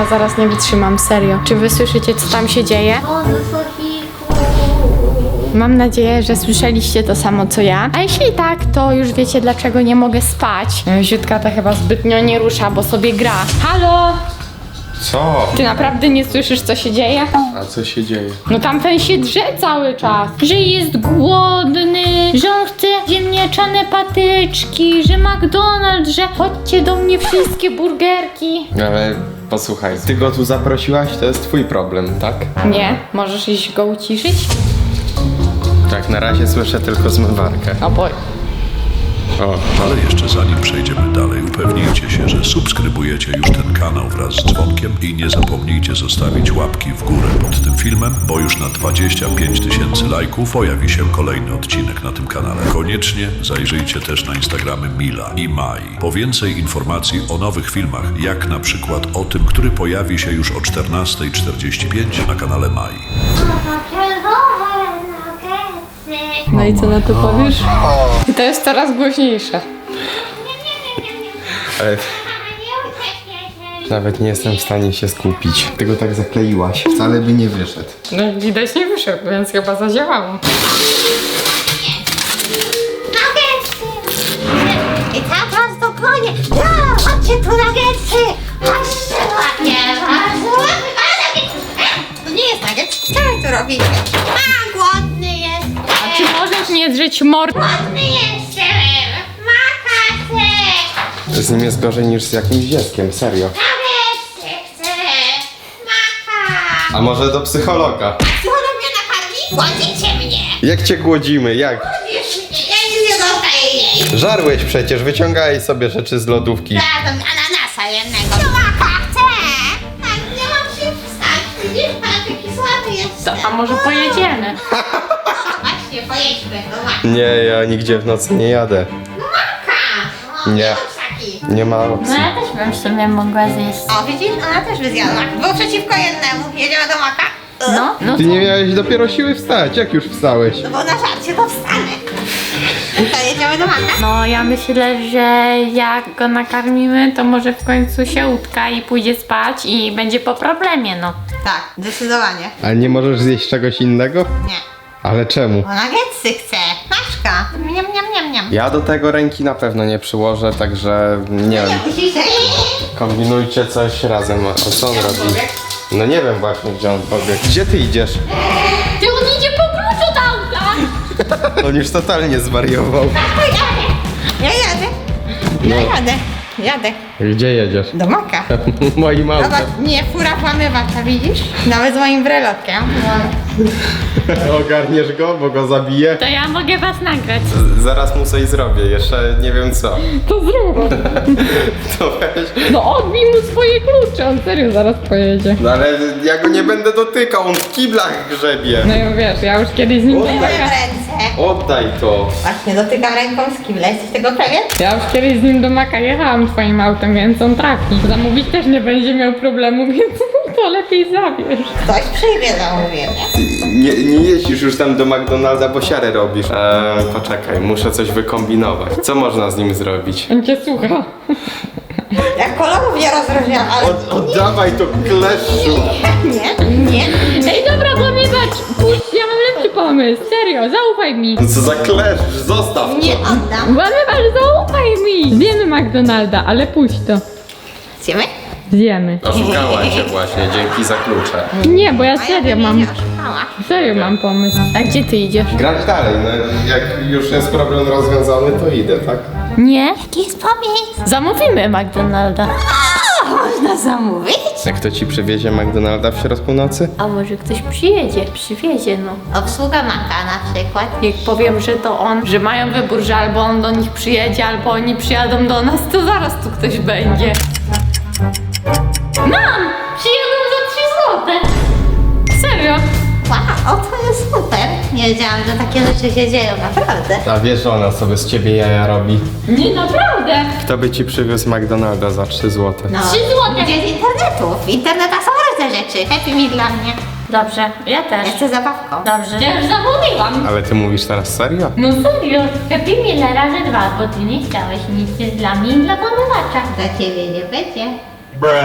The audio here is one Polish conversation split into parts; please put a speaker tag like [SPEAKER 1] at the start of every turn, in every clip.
[SPEAKER 1] zaraz nie wytrzymam, serio. Czy wy słyszycie, co tam się dzieje? Mam nadzieję, że słyszeliście to samo co ja. A jeśli tak, to już wiecie, dlaczego nie mogę spać. Ziutka ta chyba zbytnio nie rusza, bo sobie gra. Halo?
[SPEAKER 2] Co?
[SPEAKER 1] Ty naprawdę nie słyszysz, co się dzieje?
[SPEAKER 2] A co się dzieje?
[SPEAKER 1] No tamten się drze cały czas. Że jest głodny, że on chce ziemniaczane patyczki, że McDonald's, że chodźcie do mnie wszystkie burgerki.
[SPEAKER 2] Ale posłuchaj, ty go tu zaprosiłaś, to jest twój problem, tak?
[SPEAKER 1] Nie, możesz iść go uciszyć?
[SPEAKER 2] Tak, na razie słyszę tylko zmywarkę.
[SPEAKER 1] O boj.
[SPEAKER 2] O,
[SPEAKER 3] Ale jeszcze zanim przejdziemy dalej, upewnijcie się, że subskrybujecie już ten kanał wraz z dzwonkiem i nie zapomnijcie zostawić łapki w górę pod tym filmem, bo już na 25 000 lajków pojawi się kolejny odcinek na tym kanale. Koniecznie zajrzyjcie też na Instagramy Mila i Mai po więcej informacji o nowych filmach, jak na przykład o tym, który pojawi się już o 14:45 na kanale Mai.
[SPEAKER 1] No i co na to powiesz? I to jest coraz głośniejsze.
[SPEAKER 2] ale nawet nie jestem w stanie się skupić. Ty go tak zakleiłaś. Wcale by nie wyszedł.
[SPEAKER 1] No widać nie wyszedł, więc chyba zadziałało.
[SPEAKER 4] I tak was dogonię. Ja, chodźcie tu nuggetsy. Chodźcie ładnie, bardzo ładnie. To nie jest nuggets. Co wy tu robicie? A, głodny jest.
[SPEAKER 1] A czy możesz nie drzeć mordy?
[SPEAKER 4] Głodny jestem. Makaty.
[SPEAKER 2] Z nim jest gorzej niż z jakimś dzieckiem, serio.
[SPEAKER 4] Nuggetsy chcę. Maka.
[SPEAKER 2] A może do psychologa?
[SPEAKER 4] Psycholog mnie nakarmi? Głodzicie mnie.
[SPEAKER 2] Jak cię głodzimy? Jak?
[SPEAKER 4] Głodzisz mnie. Ja nic nie dostaję jeść.
[SPEAKER 2] Żarłeś przecież, wyciągaj sobie rzeczy z lodówki.
[SPEAKER 4] Dam ananasa jednego. Maka chcę. Tak, nie mam się wstać. Widzisz, pan taki słaby jest.
[SPEAKER 1] To, a może pojedziemy?
[SPEAKER 4] Właśnie, pojedźmy. No właśnie.
[SPEAKER 2] Nie, ja nigdzie w nocy nie jadę.
[SPEAKER 4] Maka.
[SPEAKER 2] Nie.
[SPEAKER 4] Taki.
[SPEAKER 2] Nie ma
[SPEAKER 1] No
[SPEAKER 2] opcji.
[SPEAKER 1] ja też bym w sumie mogła zjeść.
[SPEAKER 4] O, widzisz? Ona też by zjadła. Było przeciwko jednemu. Jedziemy do Maka?
[SPEAKER 1] No
[SPEAKER 2] Ty nie miałeś dopiero siły wstać, jak już wstałeś?
[SPEAKER 4] No bo na żarcie to wstanę. To jedziemy do Maka?
[SPEAKER 1] No ja myślę, że jak go nakarmimy, to może w końcu się utka i pójdzie spać i będzie po problemie, no.
[SPEAKER 4] Tak, zdecydowanie.
[SPEAKER 2] Ale nie możesz zjeść czegoś innego?
[SPEAKER 4] Nie.
[SPEAKER 2] Ale czemu?
[SPEAKER 4] Bo nuggetsy chcę. Maszka. Miam, miam, miam, miam.
[SPEAKER 2] Ja do tego ręki na pewno nie przyłożę, także nie wiem.
[SPEAKER 4] Musisz
[SPEAKER 2] Kombinujcie coś razem. O co on robi? No nie wiem właśnie, gdzie on pobiegł. Gdzie ty idziesz?
[SPEAKER 1] Ty on idzie po klucz od auta!
[SPEAKER 2] On już totalnie zwariował.
[SPEAKER 4] Ja jadę.
[SPEAKER 2] No.
[SPEAKER 4] Jadę.
[SPEAKER 2] Gdzie jedziesz?
[SPEAKER 4] Do Maka.
[SPEAKER 2] Moim autem.
[SPEAKER 4] Zobacz, nie fura włamywacza, widzisz? Nawet z moim brelotkiem.
[SPEAKER 2] Ogarniesz go, bo go zabiję.
[SPEAKER 1] To ja mogę was nagrać.
[SPEAKER 2] Zaraz mu coś zrobię, jeszcze nie wiem co.
[SPEAKER 1] To zrób.
[SPEAKER 2] To weź.
[SPEAKER 1] No odbij mu swoje klucze, on serio zaraz pojedzie.
[SPEAKER 2] No ale ja go nie będę dotykał, on w kiblach grzebie.
[SPEAKER 1] No i wiesz, ja już kiedyś z nim
[SPEAKER 4] Moje
[SPEAKER 1] domaka...
[SPEAKER 4] ręce.
[SPEAKER 2] Oddaj to.
[SPEAKER 4] Właśnie, dotykam ręką z kibla. Jesteś tego pewien?
[SPEAKER 1] Ja już kiedyś z nim do Maka jechałam twoim autem, więc on trafi. Zamówić też nie będzie miał problemu, więc to lepiej zabierz.
[SPEAKER 4] Ktoś przyjmie zamówienie.
[SPEAKER 2] Nie jeździsz już tam do McDonalda, bo siarę robisz. Poczekaj, muszę coś wykombinować. Co można z nim zrobić?
[SPEAKER 1] On cię słucha.
[SPEAKER 4] Jak kolorów nie rozróżniam, ale...
[SPEAKER 2] Oddawaj to kleszczu.
[SPEAKER 4] Nie.
[SPEAKER 1] Ej, dobra, włamywacz! Puść, ja mam lepszy pomysł, serio, zaufaj mi.
[SPEAKER 2] No co za kleszcz, zostaw to.
[SPEAKER 4] Nie oddam.
[SPEAKER 1] Włamywacz, zaufaj mi! Zjemy McDonalda, ale puść to.
[SPEAKER 4] Zjemy?
[SPEAKER 1] Zjemy.
[SPEAKER 2] Oszukała cię właśnie, dzięki za klucze.
[SPEAKER 1] Nie, bo ja
[SPEAKER 4] A ja
[SPEAKER 1] serio
[SPEAKER 4] bym
[SPEAKER 1] mam...
[SPEAKER 4] nie oszukała.
[SPEAKER 1] Serio mam pomysł. A gdzie ty idziesz?
[SPEAKER 2] Grać dalej, no jak już jest problem rozwiązany, to idę, tak?
[SPEAKER 1] Nie?
[SPEAKER 4] Jaki jest pomysł?
[SPEAKER 1] Zamówimy McDonalda.
[SPEAKER 4] A, można zamówić?
[SPEAKER 2] Jak to ci przywiezie McDonalda w środku nocy?
[SPEAKER 1] A może ktoś przywiezie, no.
[SPEAKER 4] Obsługa Maka na przykład.
[SPEAKER 1] Jak powiem, że to on, że mają wybór, że albo on do nich przyjedzie, albo oni przyjadą do nas, to zaraz tu ktoś będzie. Mam! Przyjadą za 3 złote. Serio?
[SPEAKER 4] Wow, to jest super. Nie wiedziałam, że takie rzeczy się dzieją, naprawdę.
[SPEAKER 2] A wiesz, że ona sobie z ciebie jaja robi.
[SPEAKER 1] Nie, naprawdę.
[SPEAKER 2] Kto by ci przywiózł McDonalda za 3 złote?
[SPEAKER 4] No,
[SPEAKER 1] 3 złote.
[SPEAKER 4] Gdzie z internetu? W internetach są różne rzeczy. Happy Meal dla mnie.
[SPEAKER 1] Dobrze, ja też.
[SPEAKER 4] Jeszcze zabawką.
[SPEAKER 1] Dobrze. Ja już zamówiłam.
[SPEAKER 2] Ale ty mówisz teraz serio?
[SPEAKER 1] No serio, Happy Meal razy 2, bo ty nie chciałeś nic jest dla mnie i dla pomywacza.
[SPEAKER 4] Dla ciebie nie będzie.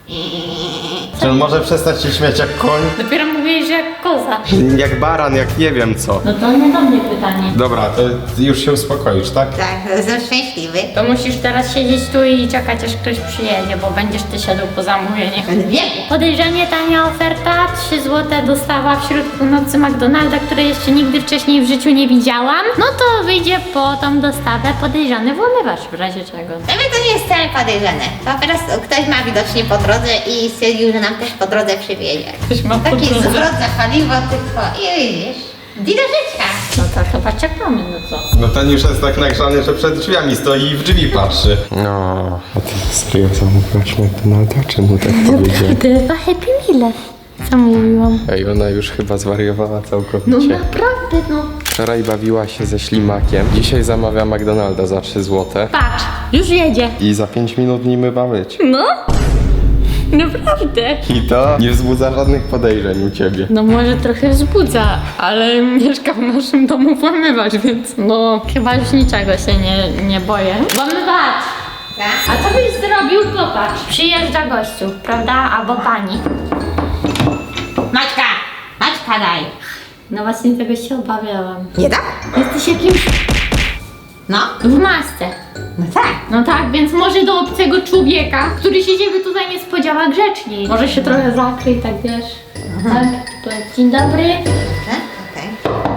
[SPEAKER 2] Czy on może przestać się śmiać jak koń?
[SPEAKER 1] Dopiero mówiłeś, że jak koza.
[SPEAKER 2] Jak baran, jak nie wiem co.
[SPEAKER 1] No to nie do mnie pytanie.
[SPEAKER 2] Dobra, to już się uspokoisz, tak?
[SPEAKER 4] Tak, jestem szczęśliwy.
[SPEAKER 1] To musisz teraz siedzieć tu i czekać, aż ktoś przyjedzie, bo będziesz ty szedł po zamówienie.
[SPEAKER 4] Wiem.
[SPEAKER 1] Podejrzanie tania oferta, 3 zł dostawa wśród północy McDonalda, której jeszcze nigdy wcześniej w życiu nie widziałam. No to wyjdzie po tą dostawę podejrzany włamywacz w razie czego.
[SPEAKER 4] Dla mnie to nie jest wcale podejrzane. Po prostu ktoś ma widocznie po drodze i stwierdził, że nam też po drodze przywiezie.
[SPEAKER 1] Ktoś ma po
[SPEAKER 4] Taki
[SPEAKER 1] drodze.
[SPEAKER 4] zwrot za paliwo tylko i widzisz. Di do życia.
[SPEAKER 1] No to chyba czekamy, no co?
[SPEAKER 2] No ten już jest tak nagrzany, że przed drzwiami stoi i w drzwi patrzy. No, a ty serio zamówiłaś McDonalda? Czemu tak powiedziałem?
[SPEAKER 1] To chyba Happy Meal. Co mówiłam?
[SPEAKER 2] Ej, ona już chyba zwariowała
[SPEAKER 1] No
[SPEAKER 2] całkowicie.
[SPEAKER 1] naprawdę, no.
[SPEAKER 2] Wczoraj bawiła się ze ślimakiem, dzisiaj zamawia McDonalda za 3 zł.
[SPEAKER 1] Patrz, już jedzie.
[SPEAKER 2] I za 5 minut nim ma być.
[SPEAKER 1] No? Naprawdę.
[SPEAKER 2] I to nie wzbudza żadnych podejrzeń u ciebie.
[SPEAKER 1] No może trochę wzbudza, ale mieszka w naszym domu włamywacz, więc no chyba już niczego się nie boję. Włamywacz!
[SPEAKER 4] Tak?
[SPEAKER 1] A co byś zrobił? Popatrz. Przyjeżdża gościu, prawda? Albo pani.
[SPEAKER 4] Maćka! Maćka daj.
[SPEAKER 1] No właśnie tego się obawiałam.
[SPEAKER 4] Nie da?
[SPEAKER 1] Jesteś jakimś
[SPEAKER 4] No.
[SPEAKER 1] w masce.
[SPEAKER 4] No tak.
[SPEAKER 1] No tak, więc może do obcego człowieka, który się ciebie tutaj nie spodziewa grzeczniej. Może się trochę zakryj, tak wiesz. Tak, to dzień dobry.
[SPEAKER 4] Okej.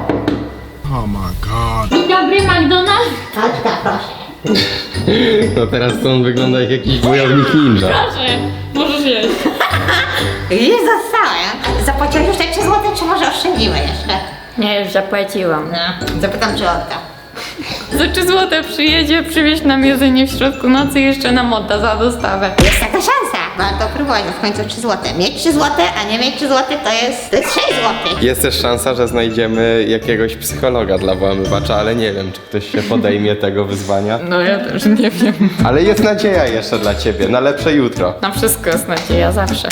[SPEAKER 1] Dzień dobry, McDonald's.
[SPEAKER 4] Maćka, proszę.
[SPEAKER 2] No teraz to on wygląda jak jakiś wojownik ninja.
[SPEAKER 1] Proszę, możesz jeść.
[SPEAKER 4] Już zostałem. Zapłaciłeś już te 3 złote, czy może oszczędzimy jeszcze?
[SPEAKER 1] Nie, już zapłaciłam.
[SPEAKER 4] No. Zapytam, czy odda.
[SPEAKER 1] Za 3 złote przyjedzie, przywieźć nam jedzenie w środku nocy i jeszcze nam odda za dostawę.
[SPEAKER 4] Jest taka szansa. Warto próbować, bo w końcu 3 złote. Mieć 3 złote, a nie mieć 3 złote to jest 6 złotych.
[SPEAKER 2] Jest też szansa, że znajdziemy jakiegoś psychologa dla włamywacza, ale nie wiem, czy ktoś się podejmie tego wyzwania.
[SPEAKER 1] No ja też nie wiem.
[SPEAKER 2] Ale jest nadzieja jeszcze dla ciebie, na lepsze jutro.
[SPEAKER 1] Na wszystko jest nadzieja zawsze.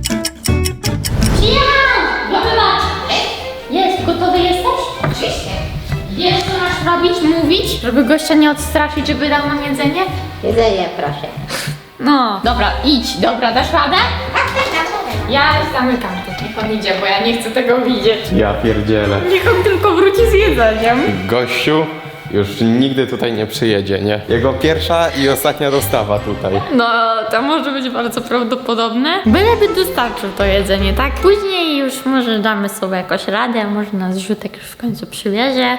[SPEAKER 1] Przyjechał! Włamywacz! Jest, gotowy jesteś?
[SPEAKER 4] Oczywiście.
[SPEAKER 1] Wiesz, co masz robić, mówić, żeby gościa nie odstraszyć, żeby dał nam jedzenie?
[SPEAKER 4] Jedzenie, proszę.
[SPEAKER 1] No. Dobra, idź. Dobra, dasz radę?
[SPEAKER 4] Tak, tak.
[SPEAKER 1] Ja zamykam to. Niech on idzie, bo ja nie chcę tego widzieć.
[SPEAKER 2] Ja pierdzielę.
[SPEAKER 1] Niech on tylko wróci z jedzeniem.
[SPEAKER 2] Gościu już nigdy tutaj nie przyjedzie, nie? Jego pierwsza i ostatnia dostawa tutaj.
[SPEAKER 1] No, to może być bardzo prawdopodobne. Byleby dostarczył to jedzenie, tak? Później już może damy sobie jakoś radę, może nas Ziutek już w końcu przywiezie.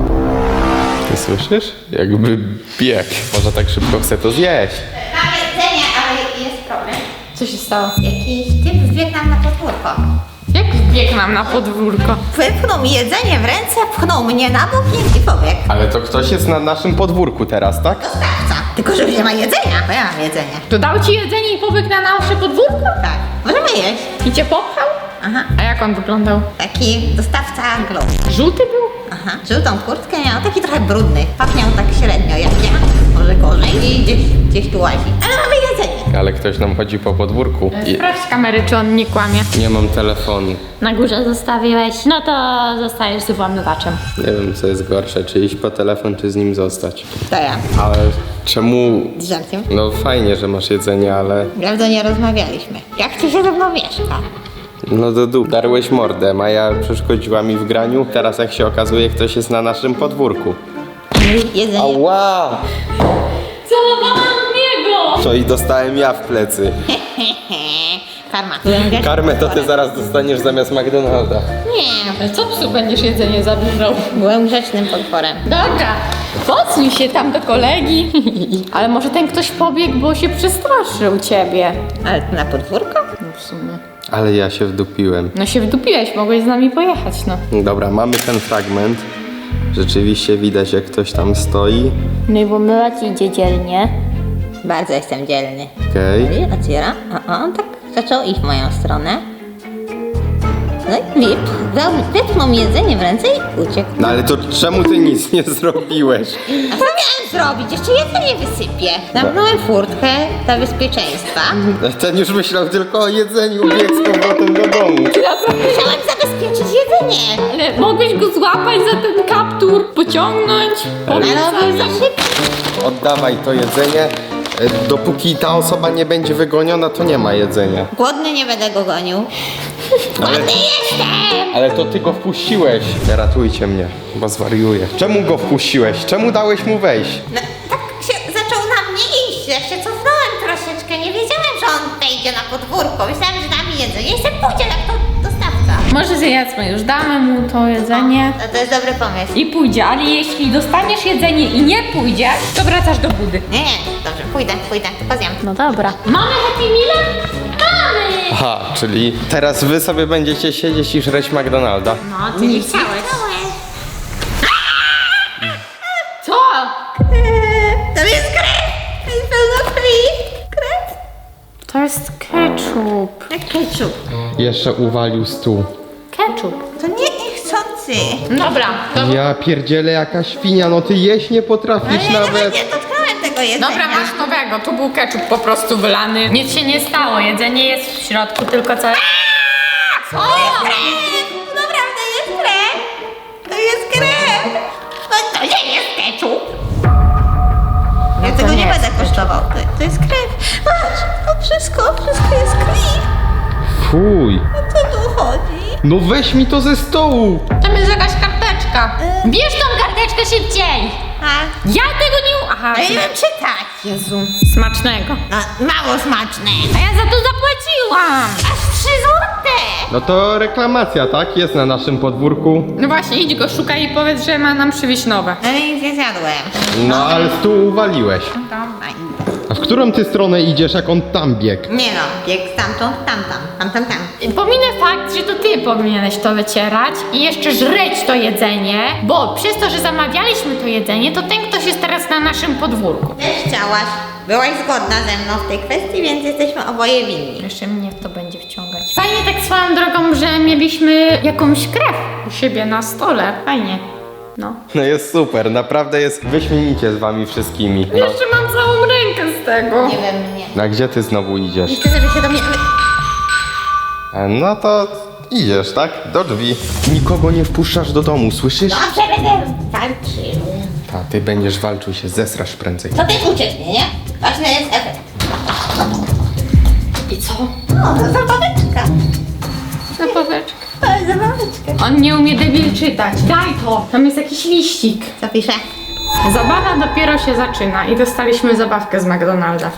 [SPEAKER 2] Ty słyszysz? Jakby bieg. Może tak szybko chce to zjeść.
[SPEAKER 4] Mam jedzenie, ale jest problem.
[SPEAKER 1] Co się stało?
[SPEAKER 4] Jakiś typ wbiegł nam na podwórko.
[SPEAKER 1] Jak wbiegł nam na podwórko?
[SPEAKER 4] Wypchnął mi jedzenie w ręce, pchnął mnie na bok i pobiegł.
[SPEAKER 2] Ale to ktoś jest na naszym podwórku teraz, tak?
[SPEAKER 4] Dostawca. Tylko, że już nie ma jedzenia, bo ja mam jedzenie.
[SPEAKER 1] To dał ci jedzenie i pobiegł na nasze podwórko?
[SPEAKER 4] Tak. Możemy jeść.
[SPEAKER 1] I cię popchał?
[SPEAKER 4] Aha.
[SPEAKER 1] A jak on wyglądał?
[SPEAKER 4] Taki dostawca glow.
[SPEAKER 1] Żółty był?
[SPEAKER 4] Aha. Żółtą kurtkę miał, taki trochę brudny. Pachniał tak średnio jak ja. Może gorzej. I gdzieś tu łazi. Ale mamy jedzenie.
[SPEAKER 2] Ale ktoś nam chodzi po podwórku. I
[SPEAKER 1] Sprawdź z kamery, czy on nie kłamie.
[SPEAKER 2] nie mam telefonu.
[SPEAKER 1] Na górze zostawiłeś, no to zostajesz z włamywaczem.
[SPEAKER 2] Nie wiem, co jest gorsze, czy iść po telefon, czy z nim zostać.
[SPEAKER 4] To ja.
[SPEAKER 2] Ale czemu...
[SPEAKER 4] Z żarciem.
[SPEAKER 2] No fajnie, że masz jedzenie, ale...
[SPEAKER 4] Prawda, nie rozmawialiśmy. Jak ci się ze mną mieszka?
[SPEAKER 2] No do dół. Darłeś mordę, Maja przeszkodziła mi w graniu. Teraz jak się okazuje, ktoś jest na naszym podwórku.
[SPEAKER 4] Jedzenie.
[SPEAKER 2] Ała!
[SPEAKER 1] Celowałam w niego!
[SPEAKER 2] Co i dostałem ja w plecy.
[SPEAKER 4] Karma.
[SPEAKER 2] Karmę to ty zaraz dostaniesz zamiast McDonalda.
[SPEAKER 4] Nie.
[SPEAKER 1] Ale co psu będziesz jedzenie zabierzał?
[SPEAKER 4] Byłem grzecznym potworem.
[SPEAKER 1] Dobra, podsuń się tam do kolegi. Ale może ten ktoś pobiegł, bo się przestraszył ciebie.
[SPEAKER 4] Ale to na podwórko?
[SPEAKER 1] No w sumie.
[SPEAKER 2] Ale ja się wdupiłem.
[SPEAKER 1] No się wdupiłeś, mogłeś z nami pojechać, no.
[SPEAKER 2] Dobra, mamy ten fragment. Rzeczywiście widać, jak ktoś tam stoi.
[SPEAKER 1] No i włamywacz idzie dzielnie.
[SPEAKER 4] Bardzo jestem dzielny.
[SPEAKER 2] Okej.
[SPEAKER 4] I otwiera. A on tak zaczął iść w moją stronę. No i wypchnął mi jedzenie w ręce i uciekł.
[SPEAKER 2] No ale to czemu ty nic nie zrobiłeś?
[SPEAKER 4] A co miałem zrobić? Jeszcze jedzenie wysypię. Zamknąłem furtkę dla bezpieczeństwa.
[SPEAKER 2] Ten już myślał tylko o jedzeniu, bieg z powrotem do domu.
[SPEAKER 4] Musiałem zabezpieczyć jedzenie.
[SPEAKER 1] Ale mogłeś go złapać za ten kaptur, pociągnąć.
[SPEAKER 4] Ale on był za szybki.
[SPEAKER 2] Oddawaj to jedzenie. Dopóki ta osoba nie będzie wygoniona, to nie ma jedzenia.
[SPEAKER 4] Głodny nie będę go gonił. Głodny jestem!
[SPEAKER 2] Ale to ty go wpuściłeś. Ratujcie mnie, bo zwariuję. Czemu go wpuściłeś? Czemu dałeś mu wejść?
[SPEAKER 4] No, tak się zaczął na mnie iść. Ja się cofnąłem troszeczkę. Nie wiedziałem, że on wejdzie na podwórko. Myślałem, że da mi jedzenie. Jeszcze pójdzie jak to dostawca.
[SPEAKER 1] Może zjedzmy już, damy mu to jedzenie
[SPEAKER 4] To jest dobry pomysł.
[SPEAKER 1] i pójdzie, ale jeśli dostaniesz jedzenie i nie pójdziesz, to wracasz do budy.
[SPEAKER 4] Nie, dobrze, pójdę, tylko zjem.
[SPEAKER 1] No dobra. Mamy Happy Meal? Mamy!
[SPEAKER 2] Aha, czyli teraz wy sobie będziecie siedzieć i żreć McDonalda.
[SPEAKER 1] No, ty nie chciałeś. Co?
[SPEAKER 4] To jest krew! To jest pełno krwi! Krew?
[SPEAKER 1] To jest ketchup.
[SPEAKER 4] Jak ketchup.
[SPEAKER 2] Jeszcze uwalił stół.
[SPEAKER 1] Ketchup.
[SPEAKER 4] To nie niechcący.
[SPEAKER 1] Dobra, to...
[SPEAKER 2] Ja pierdzielę, jaka świnia, no ty jeść nie potrafisz
[SPEAKER 4] Ale
[SPEAKER 2] nawet.
[SPEAKER 4] nie dotknąłem tego jedzenia.
[SPEAKER 1] Dobra, masz nowego. Tu był ketchup po prostu wylany. Nic się nie stało. Jedzenie jest w środku, tylko co...
[SPEAKER 4] To jest krew! To naprawdę jest krew! To jest krew! No to nie jest ketchup! Ja
[SPEAKER 1] to
[SPEAKER 4] tego
[SPEAKER 1] nie
[SPEAKER 4] nie
[SPEAKER 1] jest
[SPEAKER 4] będę kosztował. To jest krew. Patrz, to wszystko jest krwi.
[SPEAKER 2] Fuj.
[SPEAKER 4] O co tu chodzi?
[SPEAKER 2] No weź mi to ze stołu.
[SPEAKER 1] Tam jest jakaś karteczka. Bierz tą karteczkę szybciej.
[SPEAKER 4] A,
[SPEAKER 1] Ja tego nie... Aha.
[SPEAKER 4] ja nie wiem czytać.
[SPEAKER 1] Jezu. Smacznego.
[SPEAKER 4] No, mało smaczne.
[SPEAKER 1] A ja za to zapłaciłam.
[SPEAKER 4] Aż 3 złote.
[SPEAKER 2] No to reklamacja, tak? Jest na naszym podwórku.
[SPEAKER 1] No właśnie, idź go szukaj i powiedz, że ma nam przywieźć nowe.
[SPEAKER 4] No nic nie zjadłem.
[SPEAKER 2] No ale stół uwaliłeś.
[SPEAKER 4] Dobra.
[SPEAKER 2] A w którą ty stronę idziesz, jak on tam biegł?
[SPEAKER 4] Nie no, bieg stamtąd, tam.
[SPEAKER 1] Pominę fakt, że to ty powinieneś to wycierać i jeszcze żreć to jedzenie, bo przez to, że zamawialiśmy to jedzenie, to ten ktoś jest teraz na naszym podwórku.
[SPEAKER 4] Też chciałaś. Byłaś zgodna ze mną w tej kwestii, więc jesteśmy oboje winni.
[SPEAKER 1] Jeszcze mnie w to będzie wciągać. Fajnie tak swoją drogą, że mieliśmy jakąś krew u siebie na stole. Fajnie. No.
[SPEAKER 2] No jest super, naprawdę jest wyśmienicie z wami wszystkimi. No.
[SPEAKER 1] Jeszcze mam całą rękę z tego.
[SPEAKER 4] Nie wiem, nie.
[SPEAKER 2] A gdzie ty znowu idziesz?
[SPEAKER 4] Nie chcę, żeby się do mnie...
[SPEAKER 2] No to idziesz, tak? Do drzwi. Nikogo nie wpuszczasz do domu, słyszysz?
[SPEAKER 4] Dobrze, będę walczył.
[SPEAKER 2] A ty będziesz walczył, się zesrasz prędzej.
[SPEAKER 4] To też ucieknie, nie? Ważny jest efekt.
[SPEAKER 1] I co?
[SPEAKER 4] O, zabaweczka.
[SPEAKER 1] Zabaweczka.
[SPEAKER 4] O, zabaweczka.
[SPEAKER 1] On nie umie debil czytać. Daj to. Tam jest jakiś liścik.
[SPEAKER 4] Co pisze?
[SPEAKER 1] Zabawa dopiero się zaczyna i dostaliśmy zabawkę z McDonalda.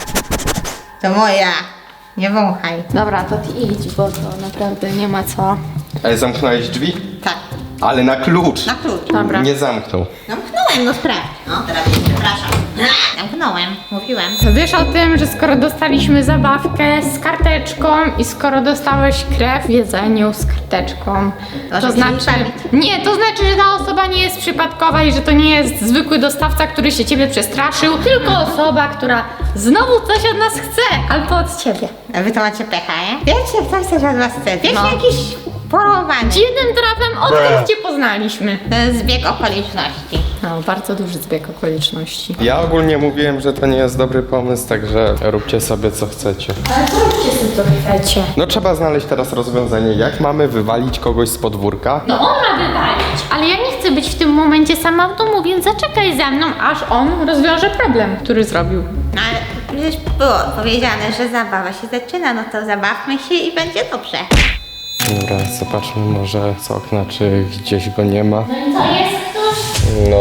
[SPEAKER 4] To moja. Nie wąchaj.
[SPEAKER 1] Dobra, to ty idź, bo to naprawdę nie ma co.
[SPEAKER 2] Ale zamknąłeś drzwi?
[SPEAKER 4] Tak,
[SPEAKER 2] Ale na klucz.
[SPEAKER 4] na klucz.
[SPEAKER 1] Dobra.
[SPEAKER 2] Nie zamknął.
[SPEAKER 4] Zamknąłem, no sprawdź. No, teraz mnie przepraszam. Zamknąłem, mówiłem.
[SPEAKER 1] Wiesz o tym, że skoro dostaliśmy zabawkę z karteczką i skoro dostałeś krew w jedzeniu z karteczką,
[SPEAKER 4] To
[SPEAKER 1] to
[SPEAKER 4] się
[SPEAKER 1] znaczy...
[SPEAKER 4] bawić.
[SPEAKER 1] Nie, to znaczy, że ta osoba nie jest przypadkowa i że to nie jest zwykły dostawca, który się ciebie przestraszył, tylko osoba, która znowu coś od nas chce, albo od ciebie.
[SPEAKER 4] A wy to macie pecha, nie? Wiecie, ktoś coś od was chce. Wiecie,
[SPEAKER 1] No.
[SPEAKER 4] jakiś porowany.
[SPEAKER 1] Dziwnym trafem odkąd cię poznaliśmy.
[SPEAKER 4] To jest zbieg okoliczności.
[SPEAKER 1] No, bardzo duży zbieg okoliczności.
[SPEAKER 2] Ja ogólnie mówiłem, że to nie jest dobry pomysł, także róbcie sobie co chcecie.
[SPEAKER 1] Ale co róbcie sobie co chcecie?
[SPEAKER 2] No trzeba znaleźć teraz rozwiązanie, jak mamy wywalić kogoś z podwórka.
[SPEAKER 1] No on ma wywalić, ale ja nie chcę być w tym momencie sama w domu, więc zaczekaj ze mną, aż on rozwiąże problem, który zrobił.
[SPEAKER 4] No ale przecież było powiedziane, że zabawa się zaczyna, no to zabawmy się i będzie dobrze.
[SPEAKER 2] Dobra, zobaczmy może z okna, czy gdzieś go nie ma.
[SPEAKER 1] No i co, jest ktoś?
[SPEAKER 2] No,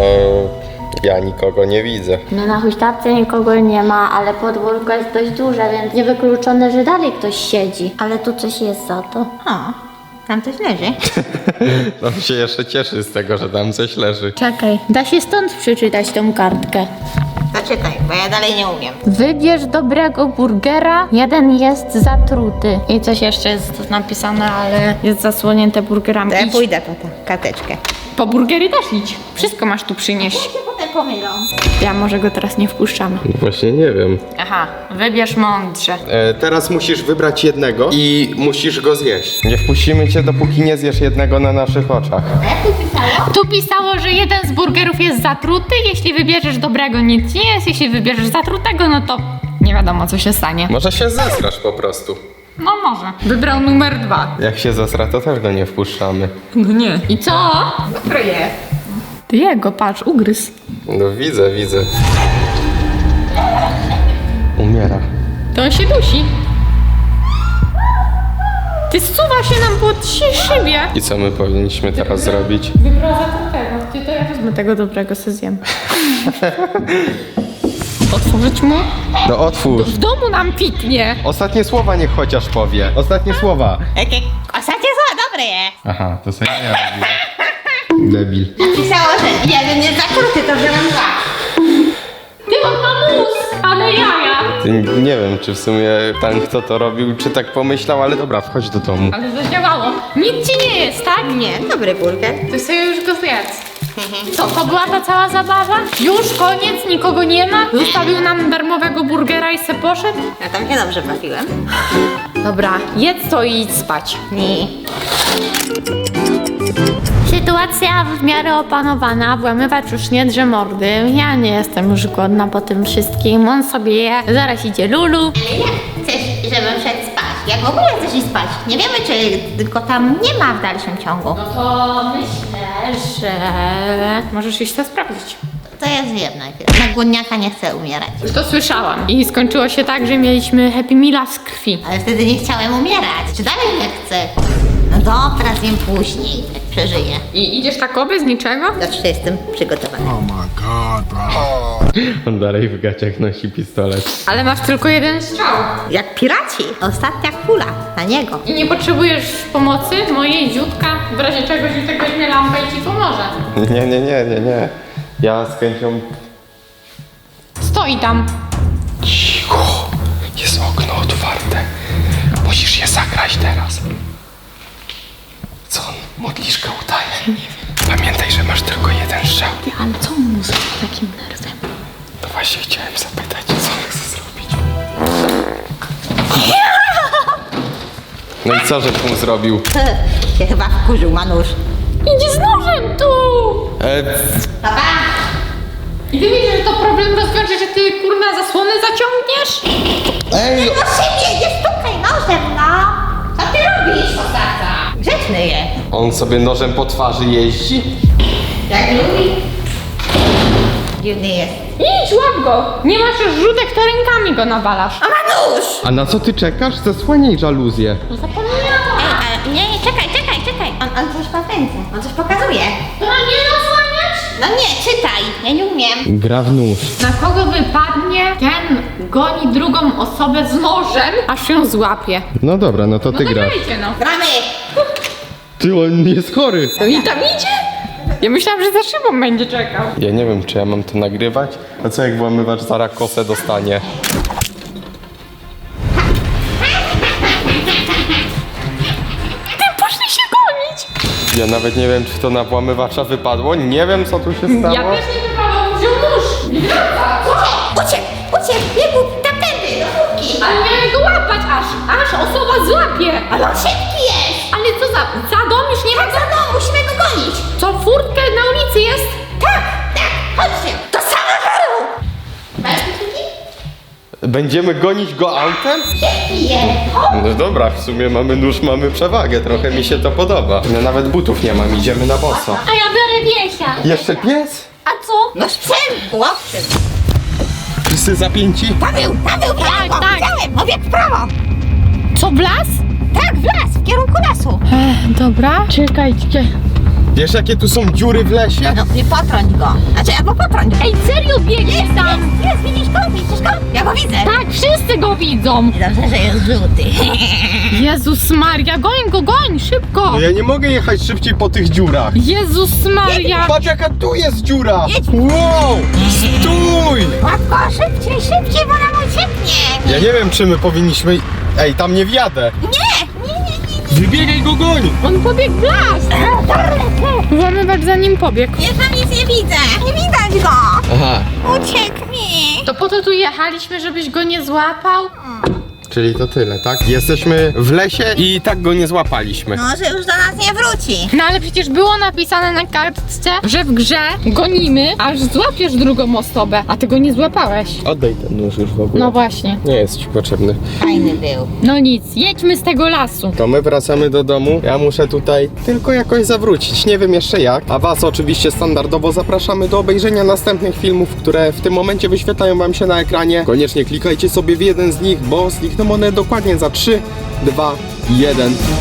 [SPEAKER 2] ja nikogo nie widzę.
[SPEAKER 5] No na huśtawce nikogo nie ma, ale podwórko jest dość duże, więc niewykluczone, że dalej ktoś siedzi. Ale tu coś jest za to.
[SPEAKER 4] O, tam coś leży.
[SPEAKER 2] On się jeszcze cieszy z tego, że tam coś leży.
[SPEAKER 5] Czekaj, da się stąd przeczytać tą kartkę.
[SPEAKER 4] Zaczytaj, bo ja dalej nie umiem.
[SPEAKER 5] Wybierz dobrego burgera, jeden jest zatruty.
[SPEAKER 1] I coś jeszcze jest napisane, ale jest zasłonięte burgerami.
[SPEAKER 4] To ja
[SPEAKER 1] Idź.
[SPEAKER 4] pójdę po tę karteczkę.
[SPEAKER 1] Po burgery też idź. Wszystko masz tu przynieść.
[SPEAKER 4] się potem pomylą.
[SPEAKER 1] Ja może go teraz nie wpuszczamy.
[SPEAKER 2] Właśnie nie wiem.
[SPEAKER 1] Aha, wybierz mądrze.
[SPEAKER 2] Teraz musisz wybrać jednego i musisz go zjeść. Nie wpuścimy cię, dopóki nie zjesz jednego na naszych oczach.
[SPEAKER 4] A jak tu pisało?
[SPEAKER 1] Tu pisało, że jeden z burgerów jest zatruty, jeśli wybierzesz dobrego nic nie jest, jeśli wybierzesz zatrutego, no to nie wiadomo co się stanie.
[SPEAKER 2] Może się zesrasz po prostu.
[SPEAKER 1] No może. Wybrał numer 2.
[SPEAKER 2] Jak się zesra, to też go nie wpuszczamy.
[SPEAKER 1] No nie. I co?
[SPEAKER 4] Dobry jest.
[SPEAKER 1] Ty jego, patrz, ugryz.
[SPEAKER 2] No widzę. Umiera.
[SPEAKER 1] To on się dusi. Ty zsuwa się nam po szybie.
[SPEAKER 2] I co my powinniśmy teraz zrobić?
[SPEAKER 1] Wyprowadza tego. Ty to ja wezmę tego dobrego, se zjem. Otworzyć mu?
[SPEAKER 2] No otwórz.
[SPEAKER 1] W domu nam piknie.
[SPEAKER 2] Ostatnie słowa niech chociaż powie. Ostatnie słowa.
[SPEAKER 4] Jakie ostatnie słowa dobre je.
[SPEAKER 2] Aha, to sobie ja robię. Debil.
[SPEAKER 4] Pisało, że jeden jest zakruty, to wziąłem dwa.
[SPEAKER 1] Ty on ma mózg, ale jaja.
[SPEAKER 2] Ty, nie wiem, czy w sumie ten, kto to robił, czy tak pomyślał, ale dobra, wchodź do domu.
[SPEAKER 1] Ale zadziałało. Nic ci nie jest, tak?
[SPEAKER 4] Nie, dobry burger.
[SPEAKER 1] Ty sobie już go zjedz. Co, to była ta cała zabawa? Już koniec, nikogo nie ma? Zostawił nam darmowego burgera i se poszedł?
[SPEAKER 4] Ja tam się dobrze bawiłem.
[SPEAKER 1] Dobra, jedz to i idź spać.
[SPEAKER 4] Nie.
[SPEAKER 5] Sytuacja w miarę opanowana, włamywacz już nie drze mordy. Ja nie jestem już głodna po tym wszystkim. On sobie je, zaraz idzie Lulu.
[SPEAKER 4] Ale jak chcesz, żebym szedł spać? Jak w ogóle chcesz iść spać? Nie wiemy, czy go tam nie ma w dalszym ciągu.
[SPEAKER 5] No to myślę, że...
[SPEAKER 1] Możesz iść to sprawdzić.
[SPEAKER 4] To ja zjem najpierw. Na głodniaka nie chcę umierać.
[SPEAKER 1] Już to słyszałam. I skończyło się tak, że mieliśmy Happy Meala z krwi.
[SPEAKER 4] Ale wtedy nie chciałem umierać. Czy dalej nie chcę? No dobra, zjem później, jak przeżyję.
[SPEAKER 1] I idziesz tak bez niczego?
[SPEAKER 4] Zawsze jestem przygotowany.
[SPEAKER 2] On dalej w gaciach nosi pistolet.
[SPEAKER 1] Ale masz tylko jeden strzał.
[SPEAKER 4] Jak piraci. Ostatnia kula na niego.
[SPEAKER 1] I nie potrzebujesz pomocy mojej, Ziutka? W razie czego Ziutek weźmie lampę i ci pomoże.
[SPEAKER 2] Nie. Ja z chęcią...
[SPEAKER 1] Stoi tam.
[SPEAKER 2] Cicho! Jest okno otwarte. Musisz je zagrać teraz. Co on? Modliszkę udaje? Nie wiem. Pamiętaj, że masz tylko jeden strzał.
[SPEAKER 5] Ale co on mu zrobił takim nerwem?
[SPEAKER 2] No właśnie chciałem zapytać, co on chce zrobić. No i co, że mu zrobił?
[SPEAKER 4] Się chyba wkurzył Manusz.
[SPEAKER 1] Idzie z nożem tu!
[SPEAKER 4] Papa!
[SPEAKER 1] I ty widzisz, że to problem rozwiąże, że ty kurna zasłonę zaciągniesz?
[SPEAKER 2] Ej!
[SPEAKER 4] No szybciej, nie stukaj nożem, no! Co ty robisz, Osaka? Grzeczny je.
[SPEAKER 2] On sobie nożem po twarzy jeździ?
[SPEAKER 4] Jak lubi. Dziwny jest.
[SPEAKER 1] Idź, łap go! Nie masz już rzutek, to rękami go nawalasz.
[SPEAKER 4] A Manusz!
[SPEAKER 2] A na co ty czekasz? Zasłaniaj żaluzję.
[SPEAKER 1] Zapomniałam!
[SPEAKER 4] Ej, nie, czekaj. On coś ma w ręce. On coś pokazuje.
[SPEAKER 1] To ma nie zasłaniać?
[SPEAKER 4] No nie, czytaj. Ja nie umiem.
[SPEAKER 2] Gra w nóż.
[SPEAKER 1] Na kogo wypadnie, ten goni drugą osobę z nożem, aż ją złapie.
[SPEAKER 2] No dobra, no to
[SPEAKER 1] No
[SPEAKER 2] ty
[SPEAKER 1] to
[SPEAKER 2] grasz.
[SPEAKER 1] grajcie, no.
[SPEAKER 4] Gramy!
[SPEAKER 2] Ty, on jest chory.
[SPEAKER 1] No i tam idzie? Ja myślałam, że za szybą będzie czekał.
[SPEAKER 2] Ja nie wiem, czy ja mam to nagrywać. A co jak włamywacz zaraz kosę dostanie?
[SPEAKER 1] Ty poszli się gonić!
[SPEAKER 2] Ja nawet nie wiem, czy to na włamywacza wypadło. Nie wiem, co tu się stało.
[SPEAKER 1] Ja też nie wypadłam, wziął nóż. Nie wraca, co?
[SPEAKER 4] Uciekł, biegł tamtędy, do chłopki.
[SPEAKER 1] Ale miałem go łapać aż osoba złapie.
[SPEAKER 4] Ale on szybki jest.
[SPEAKER 1] Ale co za dom już nie ma
[SPEAKER 4] Tak, za mną, musimy go gonić.
[SPEAKER 1] Co, furtka na ulicy jest?
[SPEAKER 4] Tak, chodźcie. Do samochodu. Masz kluczyki?
[SPEAKER 2] Będziemy gonić go autem?
[SPEAKER 4] Szybki jest.
[SPEAKER 2] No dobra, w sumie mamy nóż, mamy przewagę. Trochę mi się to podoba. Ja nawet butów nie mam, idziemy na boso.
[SPEAKER 5] A ja biorę wiesia.
[SPEAKER 2] Jeszcze pies?
[SPEAKER 5] A co?
[SPEAKER 4] No sprzęt, łowcy.
[SPEAKER 2] Wszyscy zapięci?
[SPEAKER 4] Paweł,
[SPEAKER 1] tak.
[SPEAKER 4] widziałem, obieg w prawo.
[SPEAKER 1] Co, w las?
[SPEAKER 4] Tak, w las, w kierunku lasu.
[SPEAKER 1] Dobra, czekajcie.
[SPEAKER 2] Wiesz, jakie tu są dziury w lesie?
[SPEAKER 4] No, nie potrąć go. Znaczy, albo potrąć go.
[SPEAKER 1] Ej, serio biegnie tam?
[SPEAKER 4] Jest, widzisz go? Widzisz go? Ja go widzę.
[SPEAKER 1] Tak, wszyscy go widzą.
[SPEAKER 4] Dobrze, że jest żółty.
[SPEAKER 1] Jezus Maria, goń, szybko.
[SPEAKER 2] No ja nie mogę jechać szybciej po tych dziurach.
[SPEAKER 1] Jezus Maria.
[SPEAKER 2] Patrz, jaka tu jest dziura! Wow! Stój!
[SPEAKER 4] Łap go, szybciej, bo nam ucieknie.
[SPEAKER 2] Ja nie wiem, czy my powinniśmy... Ej, tam nie wjadę.
[SPEAKER 4] Nie.
[SPEAKER 2] Wybiegaj go, goń!
[SPEAKER 1] On pobiegł w las. Włamywacz za nim pobiegł.
[SPEAKER 4] Ja tam nic nie widzę. Nie widać go.
[SPEAKER 2] Aha.
[SPEAKER 4] Ucieknie.
[SPEAKER 1] To po to tu jechaliśmy, żebyś go nie złapał?
[SPEAKER 2] czyli to tyle, tak? Jesteśmy w lesie i tak go nie złapaliśmy.
[SPEAKER 4] No, że już do nas nie wróci.
[SPEAKER 1] No ale przecież było napisane na kartce, że w grze gonimy, aż złapiesz drugą osobę, a ty go nie złapałeś.
[SPEAKER 2] Oddaj ten nóż już w ogóle.
[SPEAKER 1] No właśnie.
[SPEAKER 2] Nie jest ci potrzebny.
[SPEAKER 4] Fajny był.
[SPEAKER 1] No nic, jedźmy z tego lasu.
[SPEAKER 2] To my wracamy do domu. Ja muszę tutaj tylko jakoś zawrócić. Nie wiem jeszcze jak. A was oczywiście standardowo zapraszamy do obejrzenia następnych filmów, które w tym momencie wyświetlają wam się na ekranie. Koniecznie klikajcie sobie w jeden z nich, bo znikną one dokładnie za 3, 2, 1.